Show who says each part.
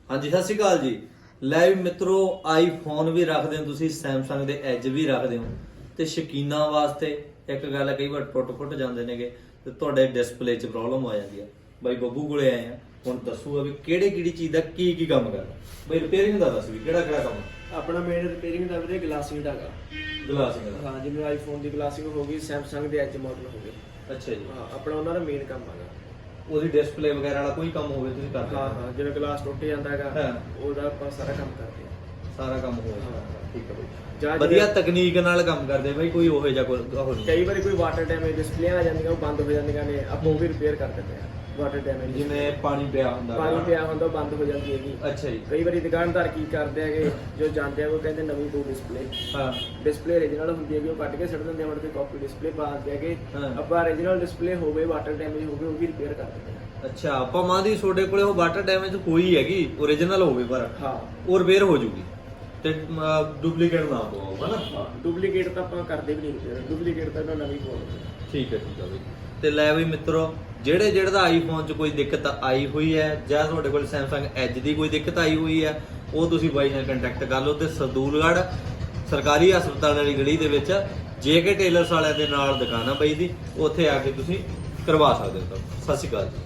Speaker 1: हाँ जी, सत श्री अकाल जी। ਲੈ ਵੀ ਮਿੱਤਰੋ, ਆਈਫੋਨ ਵੀ ਰੱਖਦੇ ਹੋ ਤੁਸੀਂ, ਸੈਮਸੰਗ ਦੇ ਐਜ ਵੀ ਰੱਖਦੇ ਹੋ ਤੇ ਸ਼ਕੀਨਾਂ ਵਾਸਤੇ ਇੱਕ ਗੱਲ ਹੈ, ਕਈ ਵਾਰ ਟੁੱਟ ਜਾਂਦੇ ਨੇਗੇ ਤੇ ਤੁਹਾਡੇ ਡਿਸਪਲੇ 'ਚ ਪ੍ਰੋਬਲਮ ਆ ਜਾਂਦੀ ਆ। ਬਾਈ ਬੱਬੂ ਕੋਲੇ ਆਏ ਆ, ਹੁਣ ਦੱਸੂਗਾ ਵੀ ਕਿਹੜੀ ਚੀਜ਼ ਦਾ ਕੀ ਕੰਮ ਕਰਦਾ। ਬਾਈ ਰਿਪੇਅਰਿੰਗ ਦਾ ਦੱਸ ਵੀ ਕਿਹੜਾ ਕੰਮ
Speaker 2: ਆਪਣਾ ਮੇਨ ਰਿਪੇਅਰਿੰਗ ਦਾ ਵੀਰੇ ਗਲਾਸਿੰਗ ਦਾ ਹੈਗਾ।
Speaker 1: ਗਲਾਸਿੰਗ ਦਾ?
Speaker 2: ਹਾਂ, ਜਿਵੇਂ ਆਈਫੋਨ ਦੀ ਗਲਾਸਿੰਗ ਹੋ ਗਈ, ਸੈਮਸੰਗ ਦੇ ਐਜ ਮਾਡਲ ਹੋ ਗਏ।
Speaker 1: ਅੱਛਾ ਜੀ।
Speaker 2: ਹਾਂ, ਆਪਣਾ ਉਹਨਾਂ ਦਾ ਮੇਨ ਕੰਮ ਹੈਗਾ।
Speaker 1: ਉਹਦੀ ਡਿਸਪਲੇ ਵਗੈਰਾ ਵਾਲਾ ਕੋਈ ਕੰਮ ਹੋਵੇ ਤੁਸੀਂ ਕਰਦੇ?
Speaker 2: ਹਾਂ, ਜਿਵੇਂ ਗਲਾਸ ਟੁੱਟ ਜਾਂਦਾ ਹੈਗਾ
Speaker 1: ਹਾਂ,
Speaker 2: ਉਹਦਾ ਆਪਾਂ ਸਾਰਾ ਕੰਮ ਕਰਦੇ ਹਾਂ।
Speaker 1: ਸਾਰਾ ਕੰਮ ਹੋ ਜਾਂਦਾ।
Speaker 2: ਹਾਂ।
Speaker 1: ਠੀਕ ਹੈ ਬਾਈ,
Speaker 2: ਜਾਂ
Speaker 1: ਵਧੀਆ ਤਕਨੀਕ ਨਾਲ ਕੰਮ ਕਰਦੇ ਬਾਈ। ਕੋਈ ਉਹੋ ਜਿਹਾ ਕੋਈ
Speaker 2: ਕਈ ਵਾਰੀ ਕੋਈ ਵਾਟਰ ਡੈਮੇਜ ਡਿਸਪਲੇ ਆ ਜਾਂਦੀਆਂ, ਉਹ ਬੰਦ ਹੋ ਜਾਂਦੀਆਂ ਨੇ, ਆਪਾਂ ਉਹ ਵੀ ਰਿਪੇਅਰ ਕਰ ਦਿੰਦੇ ਆ। ਵਾਟਰ ਡੈਮੇਜ
Speaker 1: ਜਿਵੇਂ ਪਾਣੀ ਪਿਆ ਹੁੰਦਾ,
Speaker 2: ਪਾਣੀ ਪਿਆ ਹੁੰਦਾ, ਉਹ ਬੰਦ ਹੋ ਜਾਂਦੀ ਹੈਗੀ।
Speaker 1: ਅੱਛਾ ਜੀ।
Speaker 2: ਕਈ ਵਾਰੀ ਦੁਕਾਨਦਾਰ ਕੀ ਕਰਦੇ ਹੈਗੇ, ਜੋ ਜਾਂਦੇ ਆ ਉਹ ਕਹਿੰਦੇ ਨਵੀਂ ਦੋ ਡਿਸਪਲੇ।
Speaker 1: ਹਾਂ,
Speaker 2: ਡਿਸਪਲੇ ਓਰੀਜਨਲ ਹੁੰਦੀ ਹੈਗੀ, ਉਹ ਕੱਢ ਕੇ ਸੁੱਟ ਦਿੰਦੇ ਆ, ਮੁੜ ਕੇ ਕਾਪੀ ਡਿਸਪਲੇ ਪਾ ਦਿੰਦੇ ਹੈਗੇ।
Speaker 1: ਹਾਂ।
Speaker 2: ਆਪਾਂ ਓਰੀਜਨਲ ਡਿਸਪਲੇ ਹੋਵੇ, ਵਾਟਰ ਡੈਮੇਜ ਹੋਵੇ, ਉਹ ਵੀ ਰਿਪੇਅਰ ਕਰ ਦਿੰਦੇ ਆ।
Speaker 1: ਅੱਛਾ, ਆਪਾਂ ਮਾਂ ਦੀ ਤੁਹਾਡੇ ਕੋਲੇ ਉਹ ਵਾਟਰ ਡੈਮੇਜ ਹੋਈ ਹੈਗੀ, ਓਰੀਜਨਲ ਹੋਵੇ ਪਰ
Speaker 2: ਹਾਂ,
Speaker 1: ਉਹ ਰਿਪੇਅਰ ਹੋ ਜੂਗੀ ਤੇ ਡੁਪਲੀਕੇਟ ਨਾ ਪਵਾਓ, ਹਨਾ?
Speaker 2: ਡੁਪਲੀਕੇਟ ਤਾਂ ਆਪਾਂ ਕਰਦੇ ਵੀ ਨਹੀਂ ਰਿਪੇਅਰ, ਡੁਪਲੀਕੇਟ ਤਾਂ ਇਹਨਾਂ ਨਵੀਂ ਪਵਾਉਂਦੇ।
Speaker 1: ਠੀਕ ਹੈ ਬਈ। ਤੇ ਲੈ ਵੀ ਮਿੱਤਰੋ, ਜਿਹੜੇ ਦਾ ਆਈਫੋਨ 'ਚ ਕੋਈ ਦਿੱਕਤ ਆਈ ਹੋਈ ਹੈ ਜਾਂ ਤੁਹਾਡੇ ਕੋਲ ਸੈਮਸੰਗ ਐਜ ਦੀ ਕੋਈ ਦਿੱਕਤ ਆਈ ਹੋਈ ਹੈ, ਉਹ ਤੁਸੀਂ ਬਾਈ ਨਾਲ ਕੰਟੈਕਟ ਕਰ ਲਓ। ਤੇ ਸਰਦੂਲਗੜ੍ਹ ਸਰਕਾਰੀ ਹਸਪਤਾਲ ਵਾਲੀ ਗਲੀ ਦੇ ਵਿੱਚ JK ਟੇਲਰਸ ਵਾਲਿਆਂ ਦੇ ਨਾਲ ਦੁਕਾਨ ਆ ਬਾਈ ਦੀ, ਉੱਥੇ ਆ ਕੇ ਤੁਸੀਂ ਕਰਵਾ ਸਕਦੇ ਹੋ। ਸਤਿ ਸ਼੍ਰੀ ਅਕਾਲ ਜੀ।